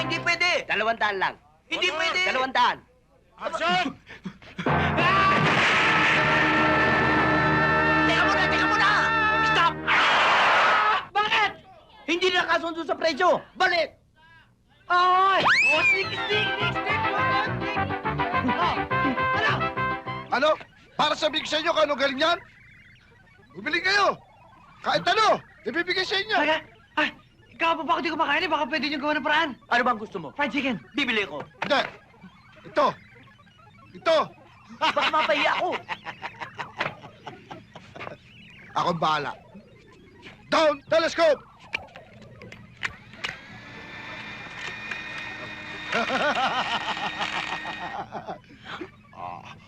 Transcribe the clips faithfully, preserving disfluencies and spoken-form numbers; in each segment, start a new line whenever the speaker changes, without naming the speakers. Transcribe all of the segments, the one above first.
hindi pwede.
Dalawang daan lang.
Hindi pwede.
Dalawang daan.
Action!
Teka muna, teka muna! Stop!
Bakit? Hindi na kasundo sa presyo. Balik!
Ay! Oh, sneak, sneak, sneak, sneak! Oh, ano?
Ano? Para sabihin ko sa inyo kung ano galing yan? Bumili kayo! Kahit ano, ibibigay sa inyo!
Talaga? Ay, ikaw pa ba ako di kumakain eh? Baka pwede niyo gawa ng paraan.
Ano bang gusto mo?
Fried chicken.
Bibili ko.
Hindi! Ito! Ito!
Baka mapahiya ako.
Ako ang bahala. Down, telescope! Ah.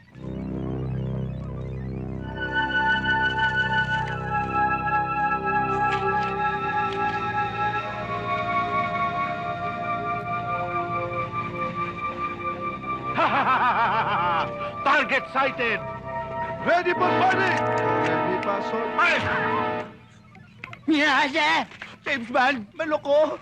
Target sighted!
Ready for fighting! Ready, pasok.
Fire!
Miyase! James Bond, maloko.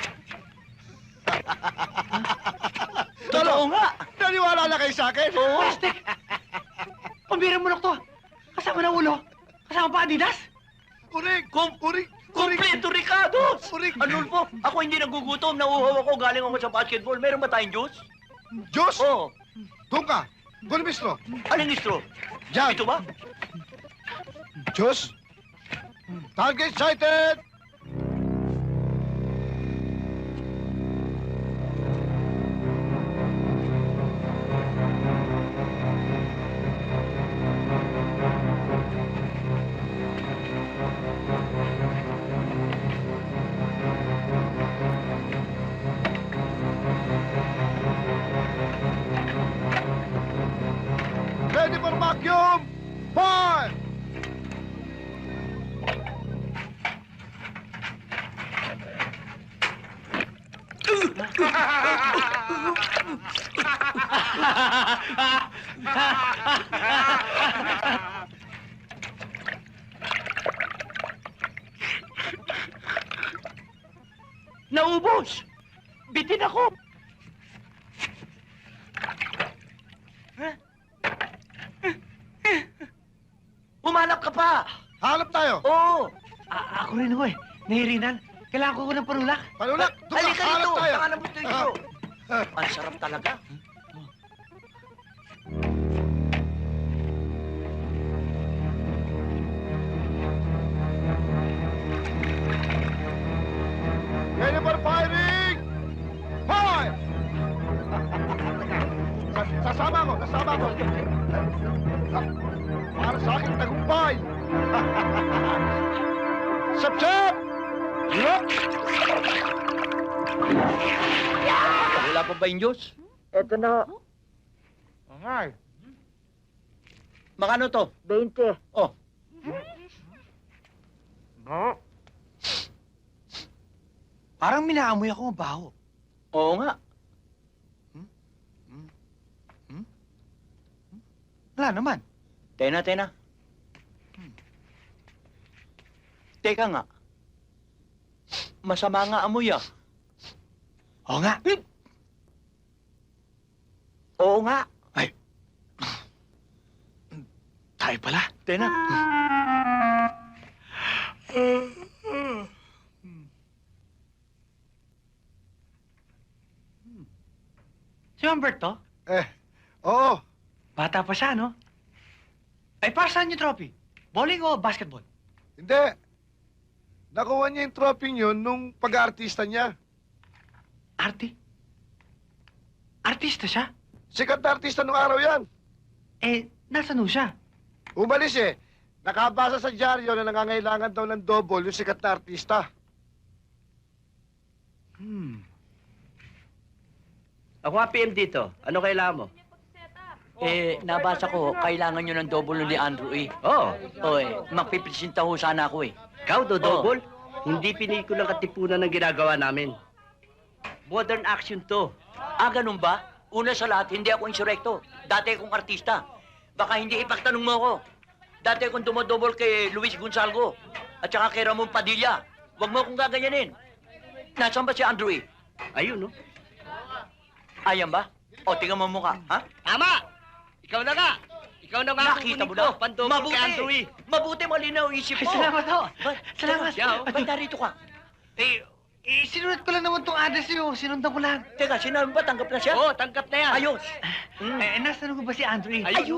Totoo nga.
Naniwala na kayo sa akin?
Oo.
Plastic! Pambirang mulok to. Kasama na ulo. Kasama pa Adidas.
Kuring!
Kum
Kuring! Kuring!
Kumpleto, Ricardo!
Kuring!
Anulfo, ako hindi nagugutom. Nauuhaw ako. Galing ako sa basketball. Meron ba tayong juice?
Diyos!
Oo.
Doon ka! Doon mismo!
Aling istro?
Diyan!
Ito ba?
Diyos! Target sighted! Ready for vacuum! Fire!
Naubos! Bitin ako! Humanap ka pa!
Hanap tayo!
Oo!
A- ako rin ako eh. Nahirinan. Kailangan ko ng panulak.
Panulak! Doon ka!
Halika
Hanap
dito!
tayo!
Saka mo dito!
Ah.
Ang sarap talaga.
Ready for firing! Fire! Sa- Sasama ko! Sasama ko! Sa- Para sa aking tagumpay! Sap-sap! Yup!
Wala pa ba yung juice?
Eto na.
Ay!
Makano to?
twenty.
Oh.
Parang minaamoy ako ang baho.
Oo nga.
Wala naman.
Tena, tena. Teka nga. Masama nga amoy ah.
Oo nga.
Oo nga.
Tayo pala.
Tena.
Si Humberto,
Eh, oo.
bata pa siya, no? Ay, para saan yung trophy? Bowling o basketball?
Hindi. Nakuha niya yung trophy yun nung pag-aartista niya.
Arte? Artista siya?
Sikat na artista nung araw yan.
Eh, nasan ho siya?
Umalis eh. Nakabasa sa dyaryo na nangangailangan daw ng double yung sikat na artista.
Hmm.
Ako nga P M dito. Ano kailangan mo? Eh, nabasa ko, kailangan nyo ng double ni Andrew eh. Oo. Oo eh, magpipresenta ho sana ako eh. Ikaw, do double? Hindi pinikulang katipunan ng ginagawa namin. Modern action to. Ah, ganun ba? Una sa lahat, hindi ako insurekto. Dati akong artista. Baka hindi ipagtanong mo ako. Dati akong dumodouble kay Luis Gonzalgo at saka kay Ramon Padilla. Huwag mo akong gaganyanin. Nasaan ba si Andrew eh? Ayun, no? Ayan ba? O, tingnan mo ang mukha, ha?
Tama! Ikaw na nga! Ikaw na nga
Nakita mo
kukunin
na?
ko, pandobol kay Andrew E.
Mabuti malinaw ang isip
Ay,
mo.
salamat ho.
Ba-
Salamat.
Teka, siya, oh. Ba't narito ka?
Eh, eh, sinunod ko lang naman tong address niyo. Sinundan ko lang.
Teka, sinabi ba tanggap na siya?
Oo, tanggap na yan.
Ayos.
Eh, nasaan ko ba si Andrew? eh?
Ayun.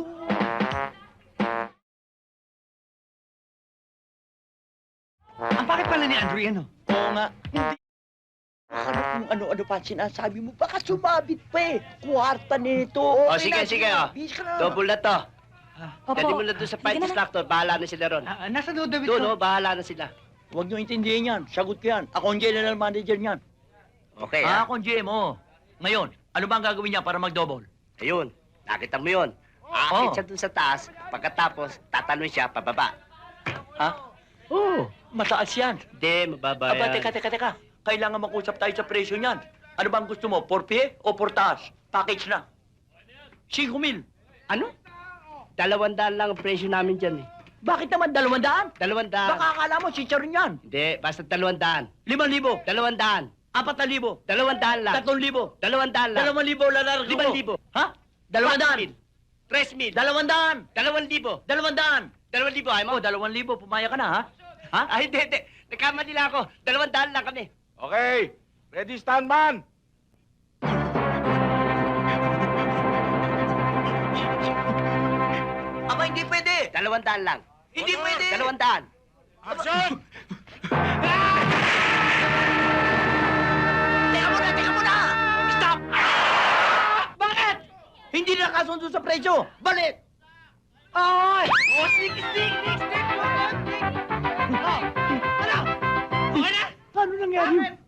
Ang bakit pala ni Andrew yan, oh?
Oo nga. Hindi. Akala kung ano-ano pa sinasabi mo. Baka sumabit pa eh. Kwarta nito.
O,
Okay
sige,
na,
sige, oh.
Bis ka na.
Double na to.
Opo.
Dali mo na doon sa fight instructor, bahala na sila ron.
Ah, nasa loob David
Doon,
ko.
oh, bahala na sila.
Huwag niyo intindihin yan. Sagot ko yan. Ako ang general manager niyan.
Okay,
Ah,
ha?
ako ang G M, oh. Ngayon, ano ba ang gagawin niya para mag-double?
Ayun, nakita mo yun. Aakit
Oh.
siya doon sa taas, pagkatapos, tatanong siya pababa.
Ha? Oo. Oh, mataas yan.
Hindi, mababa
Aba,
yan.
teka, teka, teka. Kailangan mag-usap tayo sa presyo niyan. Ano ba ang gusto mo? For pie o for taas? Package na. Cinco mil.
Ano? Dalawandaan lang ang presyo namin dyan eh.
Bakit naman dalawandaan?
Dalawandaan.
Baka akala mo, chicharon yan.
Hindi, basta dalawandaan.
Limang libo.
Dalawandaan.
Apat na libo.
Dalawandaan lang.
Tatlong libo.
Dalawandaan lang.
Dalawang libo, lalargo
Limang
ko.
libo.
Ha? Dalawandaan.
mil. Tres mil.
Dalawandaan.
Dalawang libo.
Dalawandaan.
Dalawang libo, ay
Oh,
mo?
dalawang libo. Pumaya ka na, ha? Ha?
Ay, hindi, hindi. Nagkamali lang ako. Dalawandaan lang kami.
Okay. Ready, stand man.
Aba, hindi pwede.
Dalawandaan lang.
Hindi pwede.
Dalawandaan.
Action!
Teka muna, teka muna! Stop! Bakit? Hindi na kasundo sa presyo. Balik! Ay!
Oh, sneak, sneak, sneak, sneak.
Ano nangyari?